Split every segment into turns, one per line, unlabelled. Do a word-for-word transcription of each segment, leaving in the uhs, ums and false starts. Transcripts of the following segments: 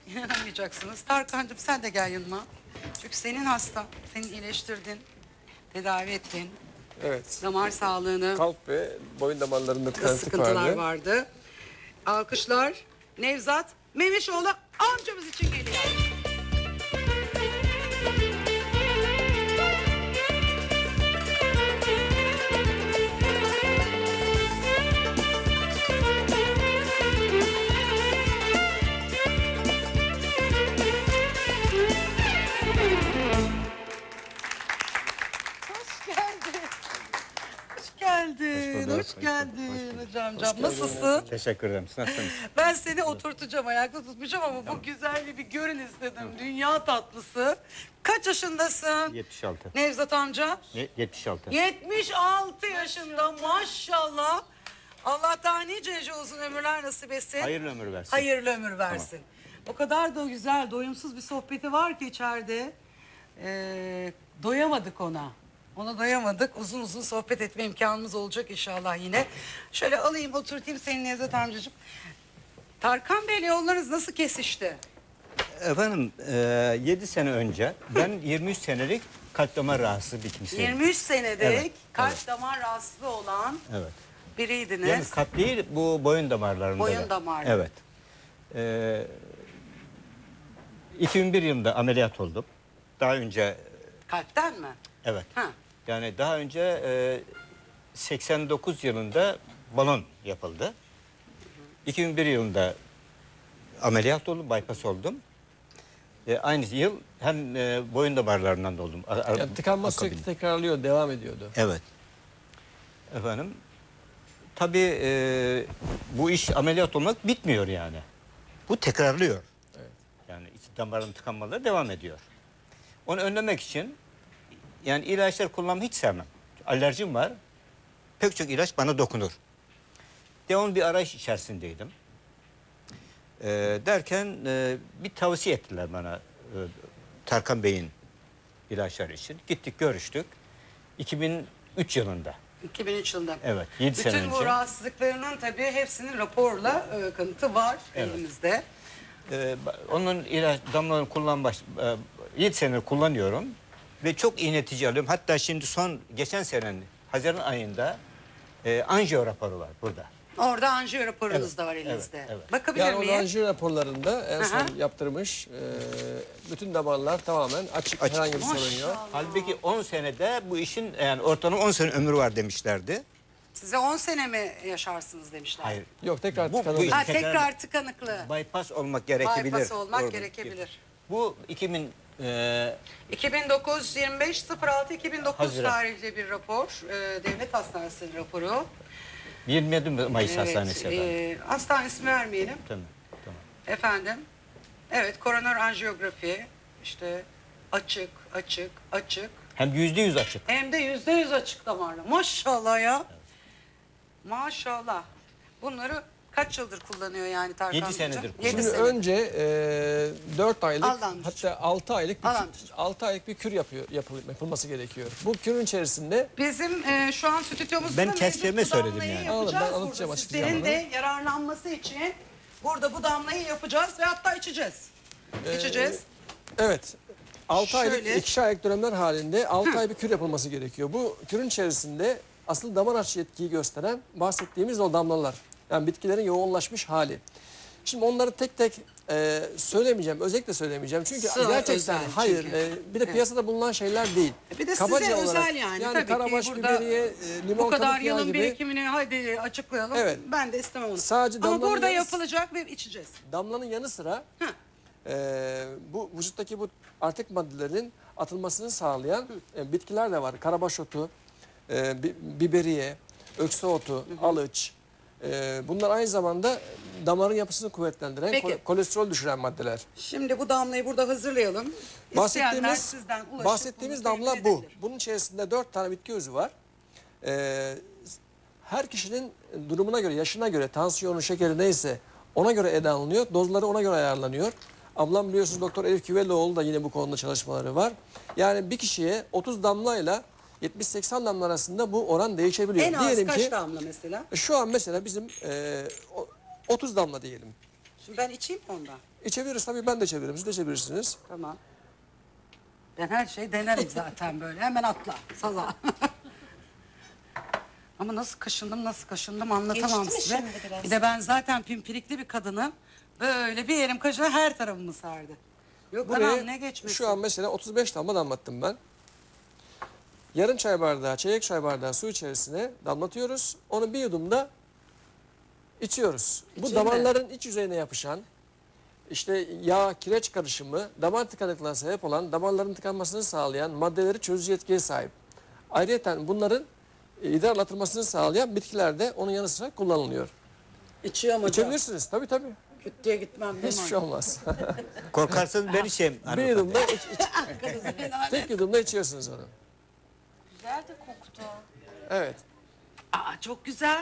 İnanamayacaksınız. Tarkan'cığım sen de gel yanıma. Çünkü senin hastan. Seni iyileştirdin. Tedavi ettin.
Evet.
Damar sağlığını.
Kalp ve boyun damarlarında tıkanıklık
Sıkıntılar
vardı.
vardı. Alkışlar. Nevzat Memişoğlu amcamız için geliyor. Hoş geldin. Hoş geldin.
bulduk,
Hoş
hoş
geldin
bulduk, hoş
hocamcığım. Nasılsın?
Teşekkür ederim. Siz nasılsınız?
Ben seni oturtacağım, ayakta tutmayacağım ama bu güzelliği bir görün istedim. Dünya tatlısı. Kaç yaşındasın?
yetmiş altı.
Nevzat amca?
Ne? yetmiş altı.
yetmiş altı yaşında maşallah. Allah daha nice nice uzun ömürler nasip etsin.
Hayırlı ömür versin.
Hayırlı ömür versin. O kadar da güzel, doyumsuz bir sohbeti var ki içeride. Ee, doyamadık ona. Ona doyamadık. Uzun uzun sohbet etme imkanımız olacak inşallah yine. Şöyle alayım, oturtayım senin Nevzat amcacığım. Tarkan Bey'le yollarınız nasıl kesişti?
Efendim e, yedi sene önce ben yirmi üç senelik kalp damar rahatsızlığı bir kimseyim.
yirmi üç senedir
Evet,
kalp
evet.
damar rahatsızlığı olan
Evet.
biriydiniz.
Yani kalp değil, bu boyun damarlarında.
Boyun
da.
damarları.
Evet. E, iki bin bir yılında ameliyat oldum. Daha önce
Kalpten mi?
evet.
Ha.
Yani daha önce e, seksen dokuz yılında balon yapıldı. iki bin bir yılında ameliyat oldum, bypass oldum. E, aynı yıl hem e, boyun damarlarından da oldum. A- a-
Yani tıkanma
akabinde.
sürekli tekrarlıyor, devam ediyordu.
Evet. Efendim, tabii e, bu iş ameliyat olmak bitmiyor yani. Bu tekrarlıyor.
Evet.
Yani iç damarın tıkanmaları devam ediyor. Onu önlemek için yani ilaçlar kullanmayı hiç sevmem. Alerjim var. Pek çok ilaç bana dokunur. Devamlı bir arayış içerisindeydim. E, derken e, bir tavsiye ettiler bana e, Tarkan Bey'in ilaçları için. Gittik, görüştük. iki bin üç yılında.
iki bin üç yılında.
Evet, yedi sene
Bütün bu
önce.
rahatsızlıklarının tabii hepsinin raporla e, kanıtı var
Evet.
elimizde.
Ee, ba- onun ilaç damlalarını kullan baş, e, yedi senedir kullanıyorum ve çok iyi netice alıyorum. Hatta şimdi son geçen senenin Haziran ayında e, anjiyo raporu var burada.
Orada anjiyo raporunuz
Evet,
da var
evet,
elinizde.
evet.
Bakabilir
Yani o
miyim?
anjiyo raporlarında en son
Aha.
yaptırmış. E, bütün damarlar tamamen açık,
Açık.
herhangi bir sorun yok.
Maşallah.
Halbuki on senede bu işin yani ortalama on sene ömrü var demişlerdi.
Size on sene mi yaşarsınız demişler.
Hayır.
Yok, tekrar
Bu- bu
tıkanıyor.
iş-
Ha,
Tekrar-
tekrar tıkanıklığı.
Bypass olmak gerekebilir.
Bypass olmak
Orada.
gerekebilir.
Bu iki bin e,
iki bin dokuz yirmi beş sıfır altı iki bin dokuz
Haziran.
tarihli bir rapor. E, Devlet Hastanesi raporu.
yirmi yedi Mayıs Hastanesi efendim.
e, hastane ismi vermeyelim.
Tamam. Tamam.
Efendim. Evet, koroner anjiyografi. İşte açık, açık, açık.
Hem yüzde yüz açık.
Hem de yüzde yüz açık damarlı. Maşallah ya. Maşallah. Bunları kaç yıldır kullanıyor yani Tarkan
Yedi
amcacığım?
senedir
Yedi
kullanıyor.
Şimdi
senedir.
önce e, dört aylık
Al amcacığım.
hatta altı aylık bir,
Al
kür-
amcacığım.
altı aylık bir kür yapıyor, yapıl- yapılması gerekiyor. Bu kürün içerisinde
Bizim e, şu an stüdyomuzda
Ben
mevcut
kestirme
bu
söyledim
damlayı
yani.
yapacağız
Anladım, ben
burada.
anlatacağım,
Sizlerin
açıklayacağım
de yararlanması için burada bu damlayı yapacağız ve hatta içeceğiz. İçeceğiz.
evet altı aylık
Şöyle.
ikişer aylık dönemler halinde altı ay bir kür yapılması gerekiyor. Bu kürün içerisinde asıl damar açı etkiyi gösteren bahsettiğimiz o damlalar. Yani bitkilerin yoğunlaşmış hali. Şimdi onları tek tek e, söylemeyeceğim, özellikle söylemeyeceğim. Çünkü
Sığ,
gerçekten
özel
hayır,
çünkü.
e, bir de piyasada bulunan şeyler değil.
Bir de
Kabaca
size
olarak,
özel yani.
Yani
Tabii
karabaş,
ki burada
biberiye, e, limon
bu kadar
kabuk yağı
yılın
gibi
birikimini hadi açıklayalım.
Evet.
Ben de istemem onu.
Sadece
Ama
damlanın
burada
yarısı-
yapılacak ve içeceğiz.
damlanın yanı sıra
Heh.
e, bu vücuttaki bu artık maddelerin atılmasını sağlayan e, bitkiler de var. Karabaş otu, e, bi- biberiye, öksü otu, alıç. E, bunlar aynı zamanda damarın yapısını kuvvetlendiren,
Peki.
kole- kolesterol düşüren maddeler.
Şimdi bu damlayı burada hazırlayalım. İsteyenler
Bahsettiğimiz,
sizden ulaşıp
bahsettiğimiz
bunu temin
damla bu.
edebilir.
Bunun içerisinde dört tane bitki özü var. Ee, her kişinin durumuna göre, yaşına göre, tansiyonu, şekeri neyse ona göre ele alınıyor. Dozları ona göre ayarlanıyor. Ablam biliyorsunuz Doktor Elif Güveloğlu da yine bu konuda çalışmaları var. Yani bir kişiye otuz damlayla yetmiş seksen damla arasında bu oran değişebiliyor.
En az
Diyelim
kaç
ki
damla mesela?
şu an mesela bizim e, o- otuz damla diyelim.
Şimdi ben içeyim mi ondan?
İçebiliriz tabii, ben de içebilirim. Siz de içebilirsiniz.
Tamam. Ben her şeyi denerim zaten böyle. Hemen atla. Sala. Ama nasıl kaşındım nasıl kaşındım anlatamam
Geçti mi
size.
şimdi biraz?
Bir de ben zaten pimpirikli bir kadınım. Böyle bir yerim kaşına her tarafımı sardı. Yok
Buraya
anam ne geçmesi.
şu an mesela otuz beş damla damlattım ben. Yarım çay bardağı, çeyrek çay bardağı su içerisine damlatıyoruz. Onu bir yudumda içiyoruz. Bu
İçeyim mi?
damarların iç yüzeyine yapışan, işte yağ, kireç karışımı, damar tıkanıklığına sebep olan, damarların tıkanmasını sağlayan maddeleri çözücü etkiye sahip. Ayrıca bunların e, idrarlatılmasını sağlayan bitkiler de onun yanı sıra kullanılıyor.
İçiyorum hocam.
İçebilirsiniz tabii tabii.
Küt diye gitmem değil mi?
Hiçbir şey olmaz.
Korkarsanız ben içeyim.
bir
hanımefendi.
yudumda iç, iç- tek yudumda içiyorsunuz onu.
Güzel de koktu.
Evet.
Aa çok güzel.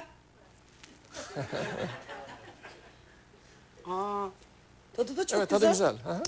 Aa tadı da çok
Evet,
güzel.
tadı güzel. Hı hı.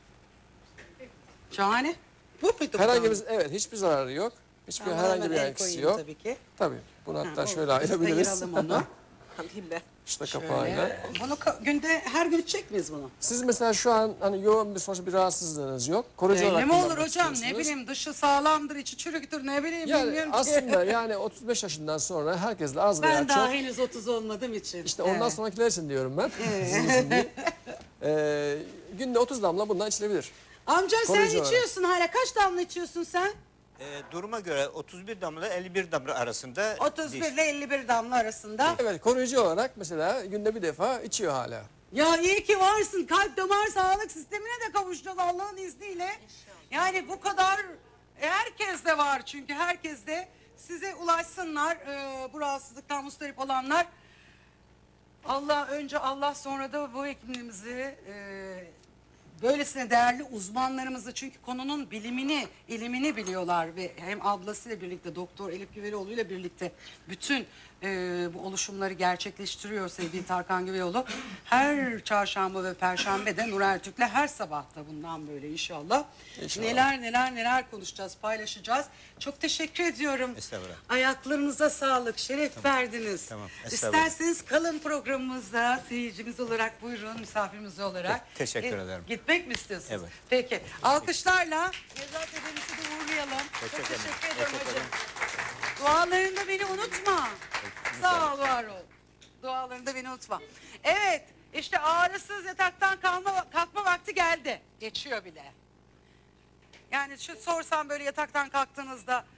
Şahane. Bu muydu?
Herhangi
bu?
bir, evet, hiçbir zararı yok. Hiçbir
Tamam,
herhangi
hemen
bir
el
yan etkisi
koyayım
yok.
Tabii ki.
Tabii. Bunu hatta
Ha,
şöyle
olur. Biz de
ayırabiliriz.
ayıralım onu.
Alayım ben.
İşte
Şöyle.
kapağıyla.
Bunu ka- günde her gün içecek miyiz bunu?
Siz mesela şu an hani yoğun bir sonuçta bir rahatsızlığınız yok. Koruyucu
Belli
olarak
mi olur
kullanmak
hocam? Ne
istiyorsunuz.
bileyim dışı sağlamdır, içi çürüktür ne bileyim
Yani
bilmiyorum ki.
aslında yani otuz beş yaşından sonra herkesle az veya
Ben daha
çok.
henüz otuz olmadığım için.
İşte ondan
Evet.
sonrakiler için diyorum ben. Sizin için değil. Ee, günde otuz damla bundan içilebilir.
Amca sen
Koruyucu olarak.
içiyorsun hala. Kaç damla içiyorsun sen?
Ee, duruma göre otuz bir damla elli bir damla arasında
otuz bir
değişiyor.
ile elli bir damla arasında.
Evet, koruyucu olarak mesela günde bir defa içiyor hala.
Ya iyi ki varsın. Kalp damar sağlık sistemine de kavuşacağız Allah'ın izniyle. Yani bu kadar herkes de var çünkü herkes de size ulaşsınlar e, bu rahatsızlıktan mustarip olanlar. Allah önce Allah sonra da bu hekimliğimizi e, böylesine değerli uzmanlarımızı çünkü konunun bilimini, ilimini biliyorlar ve hem ablasıyla birlikte Doktor Elif Güvelioğlu ile birlikte bütün e, bu oluşumları gerçekleştiriyor sevgili Tarkan Güvelioğlu. Her çarşamba ve perşembe de Nur Ertürk'le her sabahta bundan böyle inşallah.
İnşallah.
Neler neler neler konuşacağız, paylaşacağız. Çok teşekkür ediyorum.
Estağfurullah.
Ayaklarınıza sağlık, şeref verdiniz.
Tamam, estağfurullah.
İsterseniz kalın programımızda seyircimiz olarak buyurun misafirimiz olarak.
Te- teşekkür
E,
ederim.
Gitmek mi istiyorsunuz?
Evet.
Peki. Alkışlarla Nevzat Efendimiz'i de uğurlayalım. Çok
Teşekkür ederim.
teşekkür ederim
Teşekkür
hocam.
ederim.
Dualarında beni unutma. Sağ ol, var ol. Dualarında beni unutma. Evet, işte ağrısız yataktan kalma, kalkma vakti geldi. Geçiyor bile. Yani şu sorsam böyle yataktan kalktığınızda